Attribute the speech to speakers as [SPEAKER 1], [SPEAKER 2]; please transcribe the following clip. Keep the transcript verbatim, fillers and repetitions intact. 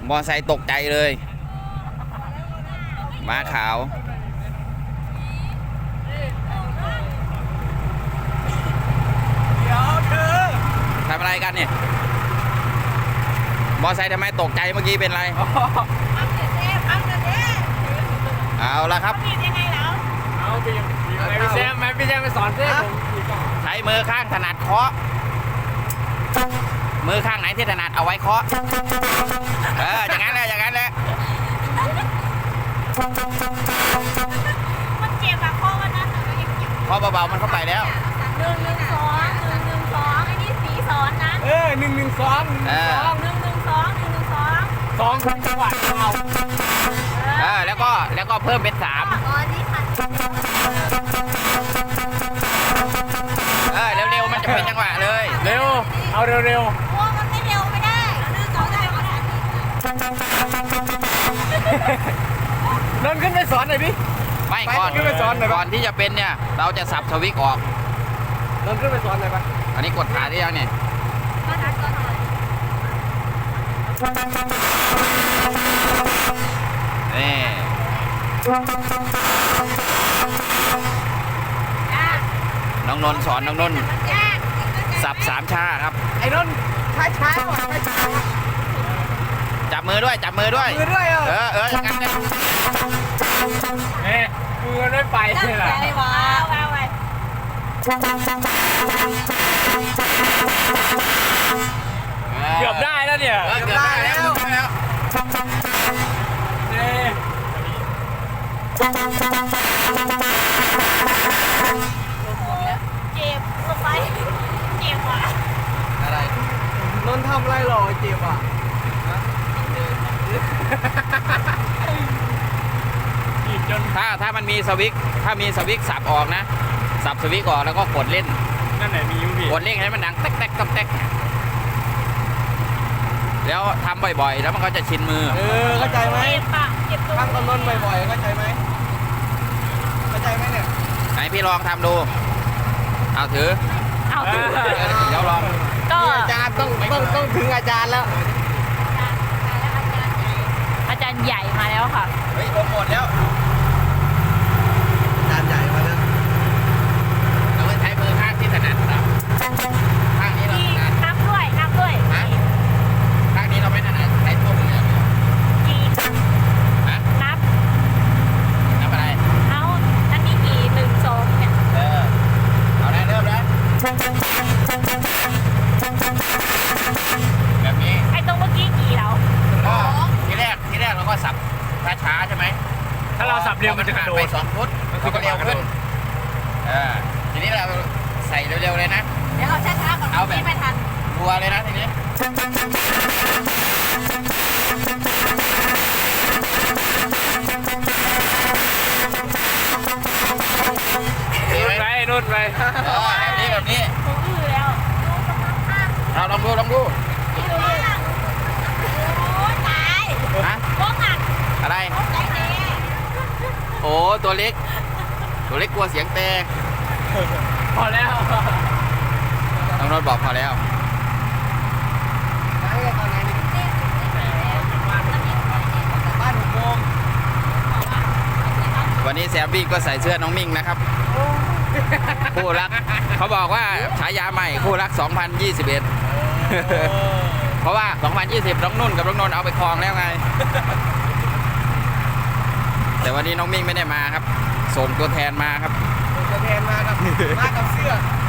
[SPEAKER 1] มอไซค์ตกใจเลยม้าขาว
[SPEAKER 2] เดี๋ยวเธอ
[SPEAKER 1] ทำอะไรกันเนี่ยมอไซค์ทำไมตกใจเมื่อกี้เป็นไรเอาละครับ
[SPEAKER 2] เอาไปพี่แซมไหมพี่แซมไปสอนเส้ผม
[SPEAKER 1] ใช้มือข้างถนัดเคาะมือข้างไหนที่ถนัดเอาไว้เคาะเอออย่างนั้นแหละอย่างนั้นแหละ
[SPEAKER 3] มันเจ็บอะข้อมันนะ
[SPEAKER 1] เคาะเบาๆมันเข้าไปแล้ว
[SPEAKER 3] หนึ่งหนึ่งสองหนึ่งหนึ่งสองไอ้นี่สีสอนนะ
[SPEAKER 2] เออหนึ่งหนึ่งสอง
[SPEAKER 1] เออ
[SPEAKER 3] หนึ่งหนึ่งสองหนึ่งหนึ่งสอง
[SPEAKER 2] สองจังหวะเอา
[SPEAKER 1] เออแล้วก็แล้วก็เพิ่มเป็นสาม
[SPEAKER 3] อ๋อนี่ค่ะ
[SPEAKER 1] เออเร็วๆมันจะเป็นจังหวะเลย
[SPEAKER 2] เร็วเอาเร็วเร็ว
[SPEAKER 3] โอ้มันไม่เร็วไม่ได้หนึ่งสองได้ก็ได้
[SPEAKER 2] นนขึ้นไปสอนหน่อยพี่
[SPEAKER 1] ไม่ก่อน
[SPEAKER 2] ขึ้นไปสอนหน่อย
[SPEAKER 1] ก่อนที่จะเป็นเนี่ยเราจะสับสวิตช์ออก
[SPEAKER 2] นนขึ้นไปสอนหน่อยปะ
[SPEAKER 1] อันนี้กดขาได้ยังเนี่ย
[SPEAKER 3] ก็นัดก็หน่อย
[SPEAKER 1] นี่น้องนนท์สอนน้องนนท์สับสามชาครับ
[SPEAKER 2] ไอ้นนช้าช้าก่อนช้า
[SPEAKER 1] จับมือด้วยจับมือด้วย
[SPEAKER 2] มือด้วย
[SPEAKER 1] เออเอออย่างนั้นเลย
[SPEAKER 2] เอ๊ะมือไม่ไปเลยล่ะ
[SPEAKER 3] ว้าวว้าว
[SPEAKER 2] เกือบได้แล้วเนี่ย
[SPEAKER 1] เกือบได้แล้วแล้ว
[SPEAKER 3] เจ็บลงไปเจ็บว่ะ
[SPEAKER 1] อะไร
[SPEAKER 2] นนทำอะไรหรอเจ็บอ่ะ
[SPEAKER 1] ถ้าถ้ามันมีสวิตช์ถ้ามีสวิตช์สับออกนะสับสวิตช์ออกแล้วก็กดเล่น
[SPEAKER 2] นั่นไหนมีอยู่พี่
[SPEAKER 1] กดเล่นให้มันดังแต๊กแต๊กต๊อกแต๊กแล้วทำบ่อยๆแล้วมันก็จะชินมือ
[SPEAKER 2] เออเข้าใจไหม
[SPEAKER 3] เจ็บปะเจ็บตัว
[SPEAKER 2] ทำกับนนบ่อยๆเข้าใจไหมเข้าใจไหมเนี่ย
[SPEAKER 1] ไหนพี่ลองทำดูเอาถือ
[SPEAKER 3] เอาถือ
[SPEAKER 1] เดี๋ยวลอง
[SPEAKER 3] ก็
[SPEAKER 2] อาจารย์ต้องต้องต้องถึงอาจารย์แล้ว
[SPEAKER 3] อาจารย์ใหญ่มาแล้วค่ะ
[SPEAKER 1] เฮ้ยลงหมดแล้ว
[SPEAKER 2] อาจารย์ใหญ่มาแล้ว
[SPEAKER 1] เราใช้มือข้างที่ถนัดนะข้างนี้เราถนัด
[SPEAKER 3] นับด้วยนับด้วย
[SPEAKER 1] ฮะข้างนี้เราไม่ถนัดใช้ตัวมืออย่างเดียว
[SPEAKER 3] กี่
[SPEAKER 1] ฮะ
[SPEAKER 3] นับ
[SPEAKER 1] นับอะไร
[SPEAKER 3] เอาอันนี้กี่หนึ่งสองเนี่ย
[SPEAKER 1] เออเอาได้เริ่มแล้วแบบนี้
[SPEAKER 3] ไอ้ตรงเมื่อกี้กี่แล้ว
[SPEAKER 1] ก็ทีแรกทีแรกเราก็สับช้าๆใช่ไหม
[SPEAKER 2] ถ้าเราสับเร็วมันจะกระโดด
[SPEAKER 1] ไปสองฟุตมันก็เร็วขึ้นเออทีนี้เราใส่เร็วๆเลยนะ
[SPEAKER 3] เดี๋ยวเอาช้าๆก่อน
[SPEAKER 1] เอาแบบ
[SPEAKER 3] ไม่ทัน
[SPEAKER 1] รัวเลยนะทีนี้
[SPEAKER 2] ไปนู่นไป
[SPEAKER 1] แบบนี้แบบนี้
[SPEAKER 3] ผมอื้อแล้ว
[SPEAKER 1] เราลองดูลองดู
[SPEAKER 3] โอ้ตาย
[SPEAKER 1] ฮะ
[SPEAKER 3] โค้งหัก
[SPEAKER 1] อะไรโอ้ตัวเล็กตัวเล็กกลัวเสียงเตะ
[SPEAKER 2] พอแล้ว
[SPEAKER 1] น้องรถบอกพอแล้ววันนี้แซมบี้ก็ใส่เสื้อน้องมิ่งนะครับคู่รักเขาบอกว่าฉายาใหม่คู่รักสองพันยี่สิบเอ็ดเพราะว่าสองพันยี่สิบน้องนุ่นกับน้องนนท์เอาไปครองแล้วไงแต่วันนี้น้องมิ่งไม่ได้มาครับส่งตัวแทนมาครับ
[SPEAKER 2] ส่งตัวแทนมาครับมากับเสื้อ